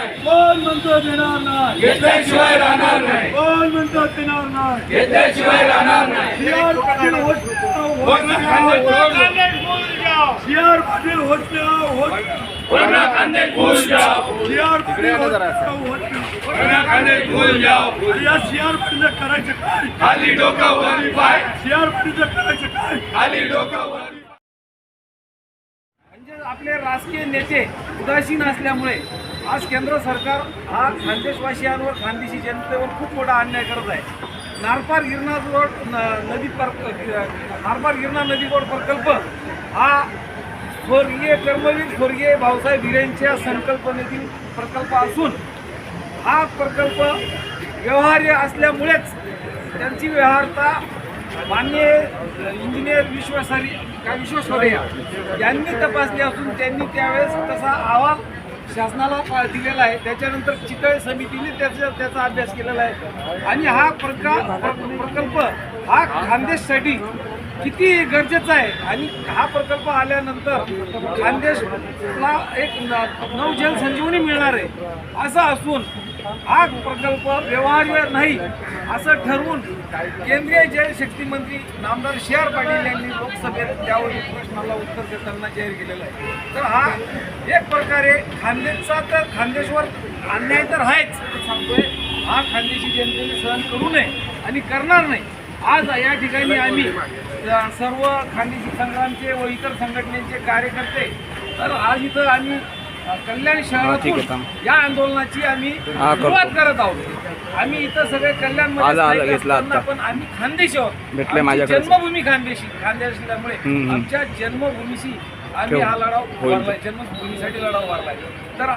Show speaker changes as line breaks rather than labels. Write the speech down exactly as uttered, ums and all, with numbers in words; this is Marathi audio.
नाही,
कोण म्हणतो देणार नाही,
घेतल्याशिवाय राहणार नाही,
कोण म्हणतो देणार नाही,
घेतल्याशिवाय राहणार नाही.
सी आर पाटील होत
कोरोना कांदे
सी आर पाटील होत होत
कोरोना कांदे भूल जाओ,
सी आर पाटील होत
कोरोना कांदे भूल जाओ.
या सी आर पाटील करायचं काय,
खाली डोकं वर पाय,
सी आर पाटील करायचं काय.
खाली डोकं वर.
म्हणजे आपले राजकीय नेते उदासीन असल्यामुळे आज केंद्र सरकार हा खानदेशवासियांवर खानदेशी जनतेवर खूप मोठा अन्याय करत आहे. नारपार गिरणा रोड न- नदी पर नारपार गिरणा नदी रोड प्रकल्प हा स्वर्गीय कर्मवीर स्वर्गीय भाऊसाहेब हिरेंच्या संकल्पनेतील प्रकल्प असून हा प्रकल्प व्यवहार्य असल्यामुळेच त्यांची व्यवहारता मान्य इंजिनियर विश्वासारी का विश्वेश्वरय्या यांनी तपासली असून त्यांनी त्यावेळेस तसा अहवाल शासनाला पा- दिलेला आहे. त्याच्यानंतर चितळे समितीने त्याचा त्याचा अभ्यास केलेला आहे आणि हा प्रका प्र- प्रकल्प हा खानदेशसाठी किती गरजेचा आहे आणि हा प्रकल्प आल्यानंतर खानदेशला एक न- नवजल संजीवनी मिळणार आहे असं असून हा प्रकल्प व्यवहार्य नाही असं ठरवून केंद्रीय जलशक्ती मंत्री नामदार सी आर पाटील यांनी लोकसभेत त्यावरील प्रश्नाला उत्तर देताना जाहीर केलेलं आहे. तर हा एक प्रकारे खानदेशचा तर खानदेशवर अन्याय तर आहेच सांगतोय. हा खानदेशी जनतेने सहन करू नये आणि करणार नाही. आज या ठिकाणी आम्ही अ, सर्व खानदेशी संघांचे व इतर संघटनेचे कार्यकर्ते तर आज इथं आम्ही अ, कल्याण शहरातून या आंदोलनाची आम्ही सुरुवात करत आहोत. आम्ही इथं सगळे कल्याण पण आम्ही खानदेशी आहोत. आमची जन्मभूमी खानदेशी खानदेश असल्यामुळे आमच्या जन्मभूमीशी आम्ही हा लढाव वाढलाय, जन्मभूमीसाठी लढाव वाढलाय. तर